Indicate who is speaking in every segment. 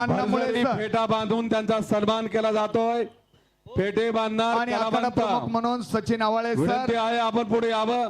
Speaker 1: अन्नामुळे
Speaker 2: भरजरी
Speaker 1: sir.
Speaker 2: फेटा बांधून त्यांचा सन्मान केला जातोय. फेटे बांधणार
Speaker 1: आणि आखाडा
Speaker 2: कलावंत.
Speaker 1: प्रमुख म्हणून सचिन आवाळे
Speaker 2: विनंती
Speaker 1: सर
Speaker 2: आहे आपण पुढे यावं.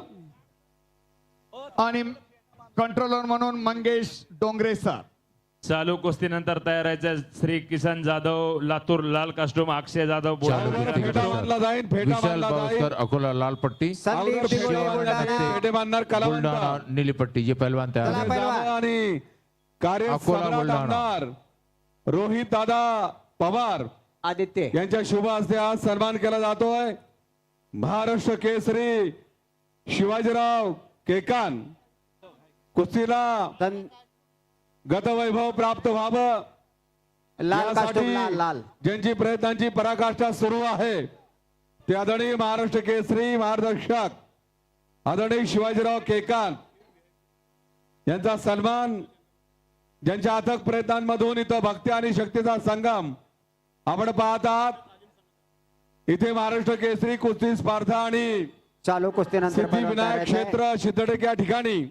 Speaker 1: आणि कंट्रोलर म्हणून मंगेश डोंगरे सर.
Speaker 3: चालू कुस्तीनंतर तयार आहे श्री किसन जाधव लातूर लाल कास्टूम, अक्षय जाधव
Speaker 4: चालू
Speaker 3: बुलढाणा
Speaker 4: कुस्ती
Speaker 2: फेटा बांधला जाईल. फेटा
Speaker 4: विशाल
Speaker 2: बांधला
Speaker 4: बावस्कर
Speaker 2: जाईल.
Speaker 4: अकोला लाल पट्टी,
Speaker 5: संदीप
Speaker 2: अगोदर
Speaker 5: दिगोळे
Speaker 2: फेटा
Speaker 5: बुलढाणा.
Speaker 2: फेटे बांधणार कलावंत.
Speaker 4: बुलढाणा नीली पट्टी जे पहलवान तयार
Speaker 5: चला
Speaker 4: आहेत.
Speaker 5: पहिलवान.
Speaker 2: आणि कार्य
Speaker 4: अकोला,
Speaker 2: सम्राट
Speaker 4: बुलढाणा.
Speaker 2: आमदार रोहित दादा पवार
Speaker 5: आदित्य
Speaker 2: यांच्या शुभ हस्ते आज सन्मान केला जातोय. महाराष्ट्र केसरी शिवाजीराव केकान कुस्तीला
Speaker 5: सन-
Speaker 2: गतवैभव प्राप्त व्हावं
Speaker 5: लाल
Speaker 2: यासाठी
Speaker 5: कास्टूम लाल लाल
Speaker 2: ज्यांची प्रयत्नांची पराकाष्ठा सुरू आहे ते आदरणीय महाराष्ट्र केसरी मार्गदर्शक आदरणीय शिवाजीराव केकान यांचा सन्मान, ज्यांच्या अथक प्रयत्नांमधून इथं भक्ती आणि शक्तीचा संगम आपण पाहत आहात. इथे महाराष्ट्र केसरी कुस्ती स्पर्धा आणि
Speaker 5: चालू कुस्तीनंतर
Speaker 2: सिद्धिविनायक क्षेत्र सिद्धटेक या ठिकाणी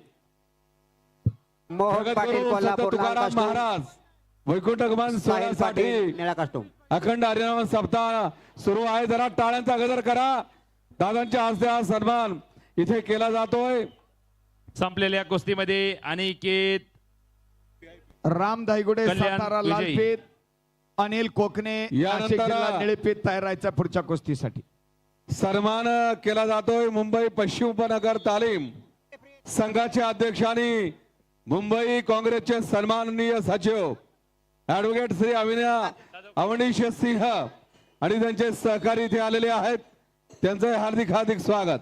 Speaker 5: मोहन पाटील
Speaker 2: जगद्गुरु संत
Speaker 5: कोल्हापूर लाल
Speaker 2: तुकाराम
Speaker 5: कास्टूम,
Speaker 2: महाराज वैकुंठगमन
Speaker 5: साहिल
Speaker 2: सोहळ्यासाठी
Speaker 5: पाटील निळा कास्टूम.
Speaker 2: अखंड हरिनाम सप्ताह सुरू आहे. जरा टाळ्यांचा गजर करा. दादांच्या हस्ते हा सन्मान इथे केला जातोय.
Speaker 3: संपलेल्या कुस्तीमध्ये अनिकेत
Speaker 1: राम धायगुडे
Speaker 3: कल्याण
Speaker 1: सातारा
Speaker 3: विजयी.
Speaker 1: लालपीत, अनिल कोकणे
Speaker 2: यानंतर
Speaker 1: नाशिक जिल्हा निळपीत तयार राहायचा पुढच्या कुस्तीसाठी.
Speaker 2: सन्मान केला जातोय मुंबई पश्चिम उपनगर तालीम संघाचे अध्यक्ष आणि मुंबई काँग्रेसचे सन्माननीय सचिव ऍडव्होकेट श्री अवनीश सिंह आणि त्यांचे सहकारी इथे आलेले आहेत. त्यांचं हार्दिक हार्दिक स्वागत.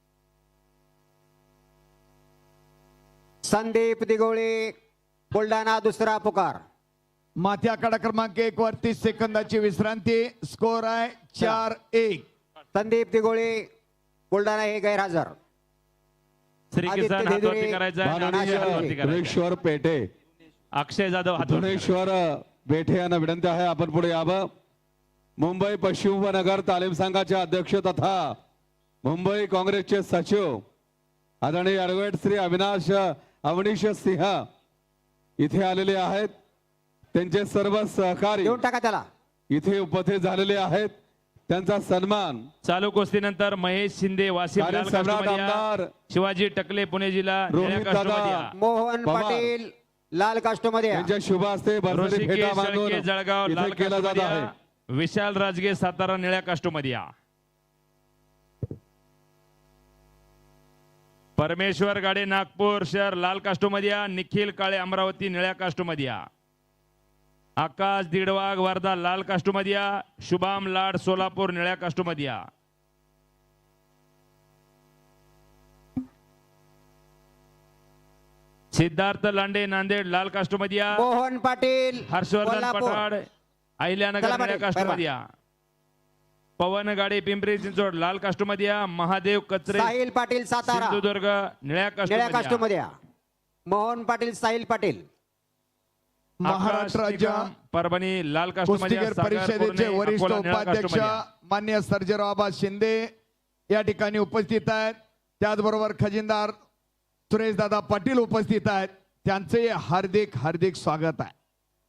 Speaker 5: संदीप दिगोळे बुलढाणा दुसरा पुकार.
Speaker 1: माथी आखाडा क्रमांक 1 वर 30 सेकंदाची विश्रांती. स्कोर आहे 4-1.
Speaker 5: संदीप दिगोळे बुलढाणा हे गैरहजर.
Speaker 3: श्री
Speaker 5: आदित्य
Speaker 3: किसन
Speaker 5: धेदुरे,
Speaker 3: हातवरती करायचा आहे,
Speaker 5: माननीय
Speaker 3: अक्षय हातवरती करायचा आहे.
Speaker 2: धुरेश्वर पेठे
Speaker 3: अक्षय जाधव हातवरती
Speaker 2: धुरेश्वर पेठे यांना विनंती आहे आपण पुढे यावं. मुंबई पश्चिम उपनगर तालीम संघाचे अध्यक्ष तथा मुंबई काँग्रेसचे सचिव आदरणीय ऍडव्होकेट श्री अवनीश सिंह इथे आलेले आहेत. त्यांचे सर्व सहकारी
Speaker 5: देऊन टाका त्याला.
Speaker 2: इथे उपस्थित झालेले आहेत. त्यांचा सन्मान
Speaker 3: चालू कुस्तीनंतर महेश शिंदे वासिम
Speaker 2: कार्य
Speaker 3: लाल
Speaker 2: सम्राट
Speaker 3: कास्टूम
Speaker 2: आमदार
Speaker 3: शिवाजी टकले पुणे जिल्हा
Speaker 2: रोहित
Speaker 3: निळ्या
Speaker 2: दादा
Speaker 3: कास्टूम
Speaker 5: मोहन
Speaker 2: पवार.
Speaker 5: पाटील लाल कास्टूम मध्ये या.
Speaker 2: यांच्या शुभ हस्ते भरभरी
Speaker 3: ऋषिकेश
Speaker 2: फेटा बांधून
Speaker 3: शेळके जळगाव
Speaker 2: इथे
Speaker 3: लाल
Speaker 2: केला जात आहे.
Speaker 3: कास्टूम विशाल राजगे सातारा निळ्या कास्टूम मध्ये या. परमेश्वर गाडे नागपूर शहर लाल कास्टूम मध्ये या. निखिल काळे अमरावती निळ्या कास्टूम मध्ये या. आकाश दिडवाग वर्धा लाल कास्टूम मध्ये या. शुभम लाड सोलापूर निळ्या कास्टूम मध्ये या. सिद्धार्थ लांडे नांदेड लाल कास्टूम मध्ये या.
Speaker 5: मोहन पाटील
Speaker 3: हर्षवर्धन
Speaker 5: कोल्हापूर.
Speaker 3: पठाड अहिल्यानगर
Speaker 5: चला
Speaker 3: निळ्या
Speaker 5: पाटील,
Speaker 3: कास्टूम मध्ये या. पवन गाडे पिंपरी चिंचवड लाल कास्टूम मध्ये या. महादेव कचरे
Speaker 5: साहिल पाटील सातारा
Speaker 3: सिंधुदुर्ग निळ्या
Speaker 5: निळ्या कास्टूम
Speaker 3: कास्टूम
Speaker 5: मध्ये या. मोहन पाटील साहिल पाटील
Speaker 1: महाराष्ट्र राज्य
Speaker 3: परभणी लाल कास्टूम मध्ये
Speaker 1: कुस्तीगीर परिषदेचे वरिष्ठ उपाध्यक्ष मान्य सर्जेराव आबा शिंदे या ठिकाणी उपस्थित आहेत. त्याचबरोबर खजिनदार सुरेश दादा पाटील उपस्थित आहेत. त्यांचे हार्दिक हार्दिक स्वागत आहे.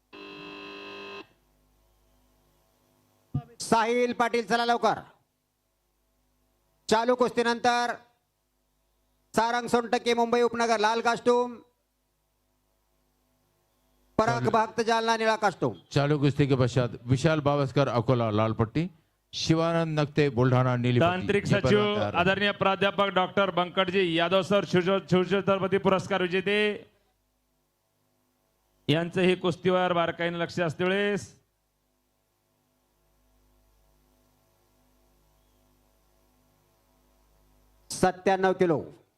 Speaker 5: साहिल पाटील चला लवकर. चालू कुस्तीनंतर सारंग सोनटक्के मुंबई उपनगर लाल कास्टूम, पराग भक्त जालना निळा कास्टूम.
Speaker 4: चालू कुस्ती के पश्चात विशाल बावस्कर अकोला लाल पट्टी, शिवानंद नक्ते बुलढाणा नीली पट्टी
Speaker 3: तांत्रिक
Speaker 4: जे
Speaker 3: सचिव
Speaker 4: पहलवान तयार आहेत.
Speaker 3: आदरणीय प्राध्यापक डॉक्टर बंकटजी यादव सर शिवछत्रपती पुरस्कार विजेते यांचं हे कुस्तीवर बारकाईने लक्ष असते वेळेस
Speaker 5: 97 किलो.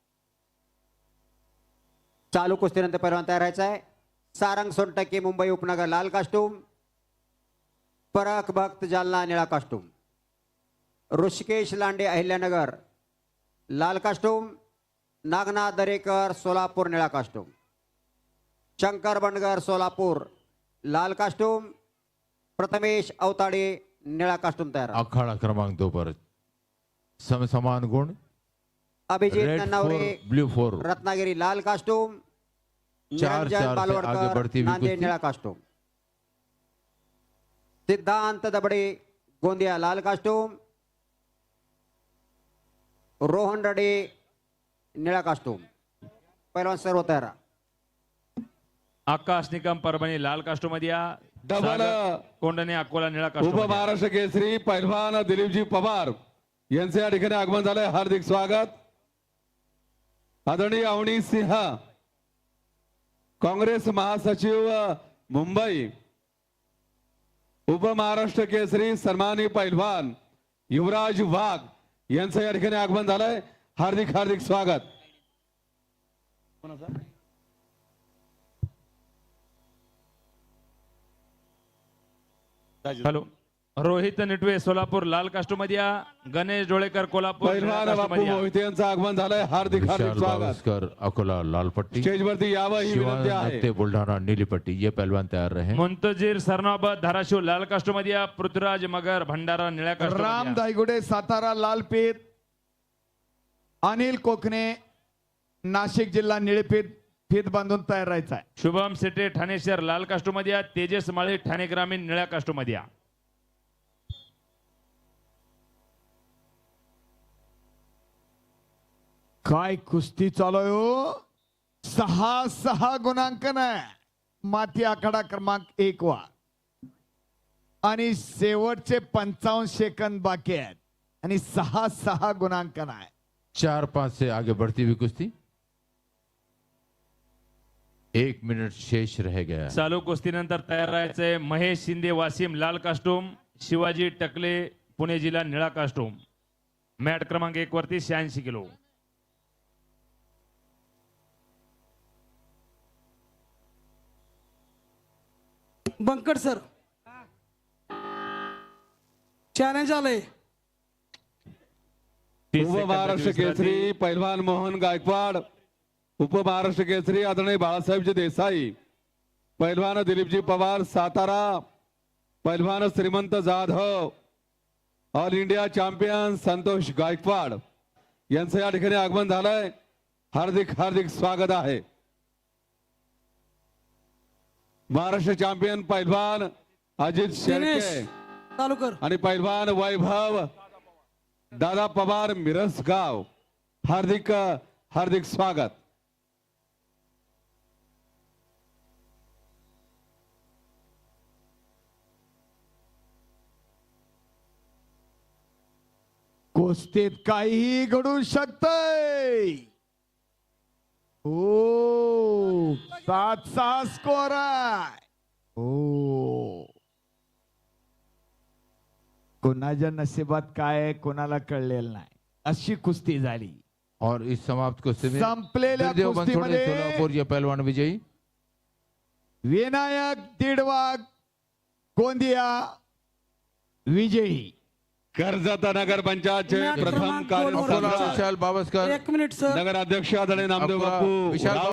Speaker 5: चालू कुस्तीनंतर पहिलवान तयार राहायचा आहे. सारंग सोनटक्के मुंबई उपनगर लाल कास्टूम, पराग भक्त जालना निळा कास्टूम. ऋषिकेश लांडे अहिल्यानगर लाल कास्टूम, नागनाथ दरेकर सोलापूर निळा कास्टूम. शंकर बंडगर सोलापूर लाल कास्टूम, प्रथमेश अवताडे निळा कास्टूम तयार.
Speaker 4: अखाड़ा क्रमांक 2 पर समान गुण.
Speaker 5: अभिजित
Speaker 4: रेड
Speaker 5: नन्नावरे
Speaker 4: 4 ब्लू 4
Speaker 5: रत्नागिरी लाल कास्टूम,
Speaker 4: 4-4 से आगे बढ़ती हुई
Speaker 5: नांदेड
Speaker 4: कुश्ती.
Speaker 5: निळा कास्टूम. सिद्धांत दबडे गोंदिया लाल कास्टूम, रोहन रडे निळा कास्टूम. पहिलवान सर्व तयार.
Speaker 3: आकाश निकम परभणी लाल कास्टोमध्ये या.
Speaker 2: डबल
Speaker 3: सागर कोंडणे अकोला निळा
Speaker 2: उप
Speaker 3: कास्टोमध्ये.
Speaker 2: महाराष्ट्र केसरी पैलवान दिलीपजी पवार यांचे या ठिकाणी आगमन झालंय. हार्दिक स्वागत. आदरणीय अवनी सिंह काँग्रेस महासचिव मुंबई, उप महाराष्ट्र केसरी सन्मानी पैलवान युवराज वाघ यांचं या ठिकाणी आगमन झालंय. हार्दिक हार्दिक स्वागत.
Speaker 3: हॅलो. रोहित निटवे सोलापूर लाल कास्टोमध्ये या. गणेश डोळेकर कोल्हापूर निळ्या
Speaker 2: पैलवान बापू
Speaker 3: कास्टोमध्ये या.
Speaker 2: मोहिते यांचं आगमन झालंय. हार्दिक हार्दिक
Speaker 4: विशाल
Speaker 2: स्वागत.
Speaker 4: बावस्कर अकोला लाल पट्टी,
Speaker 2: स्टेजवरती यावं ही विनंती
Speaker 4: शिवानंद
Speaker 2: आहे.
Speaker 4: नक्ते बुलढाणा नीली पट्टी. ये पहलवान तैयार रहे.
Speaker 3: मुंतजीर सरनाबत धाराशिव लाल कास्टोमध्ये या. पृथ्वीराज मगर भंडारा निळ्या
Speaker 1: राम
Speaker 3: कास्टोमध्ये या.
Speaker 1: दायगुडे सातारा लालपीत, अनिल कोकणे नाशिक जिल्हा निळेपीत फीत बांधून तयार राहायचा आहे.
Speaker 3: शुभम सेटे ठाणे शहर लाल कास्टोमध्ये या. तेजस माळी ठाणे ग्रामीण निळ्या कास्टोमध्ये या.
Speaker 1: काय कुस्ती चालू आहे हो. 6-6 गुणांकन आहे. माती आखाडा क्रमांक 1 वा आणि शेवटचे 55 सेकंद बाकी आहेत आणि 6-6 गुणांकन आहे.
Speaker 4: 4-5 से आगे बढ़ती हुई कुश्ती. 1 मिनट शेष रह गया है.
Speaker 3: चालू कुस्तीनंतर तयार राहायचंय. महेश शिंदे वासिम लाल कास्टूम, शिवाजी टकले पुणे जिल्हा निळा कास्टूम. मॅट क्रमांक 1 वरती 86 किलो.
Speaker 6: बंकट सर, चॅलेंज आलंय.
Speaker 3: 30
Speaker 2: उप महाराष्ट्र
Speaker 3: सेकंदाची
Speaker 2: केसरी
Speaker 3: विश्रांती.
Speaker 2: पैलवान मोहन गायकवाड, उप महाराष्ट्र केसरी आदरणीय बाळासाहेबजी देसाई, पैलवान दिलीपजी पवार सातारा, पैलवान Shrimant Jadhav, all India champion Santosh Gaikwad यांचं या ठिकाणी आगमन झालंय. हार्दिक हार्दिक स्वागत आहे. महाराष्ट्र चॅम्पियन पैलवान अजित
Speaker 6: दिनेश
Speaker 2: शेळके
Speaker 6: चालू कर.
Speaker 2: आणि पैलवान वैभव दादा पवार मिरसगाव, हार्दिक हार्दिक स्वागत.
Speaker 1: कुस्तीत काहीही घडू शकतंय. हो 7-6 स्कोर आहे. हो कोणाच्या नशिबात काय आहे कोणाला कळलेलं नाही. अशी कुस्ती झाली.
Speaker 4: और इस समाप्त कुश्ती में
Speaker 1: संपलेल्या
Speaker 4: बिरदेव बनसोडे
Speaker 1: कुस्तीमध्ये
Speaker 4: सोलापुर ये पहलवान विजयी.
Speaker 1: विनायक दीडवाग गोंदिया विजयी.
Speaker 2: कर्जत नगर पंचायतचे
Speaker 6: मॅट
Speaker 2: प्रथम
Speaker 6: क्रमांक दोन वर
Speaker 4: अकोला
Speaker 2: कार्यसम्राट
Speaker 4: विशाल बावस्कर,
Speaker 6: 1 मिनिट सर.
Speaker 2: नगर अध्यक्ष आदरणीय नामदेव
Speaker 4: अकोला
Speaker 2: बापू
Speaker 4: विशाल
Speaker 2: राव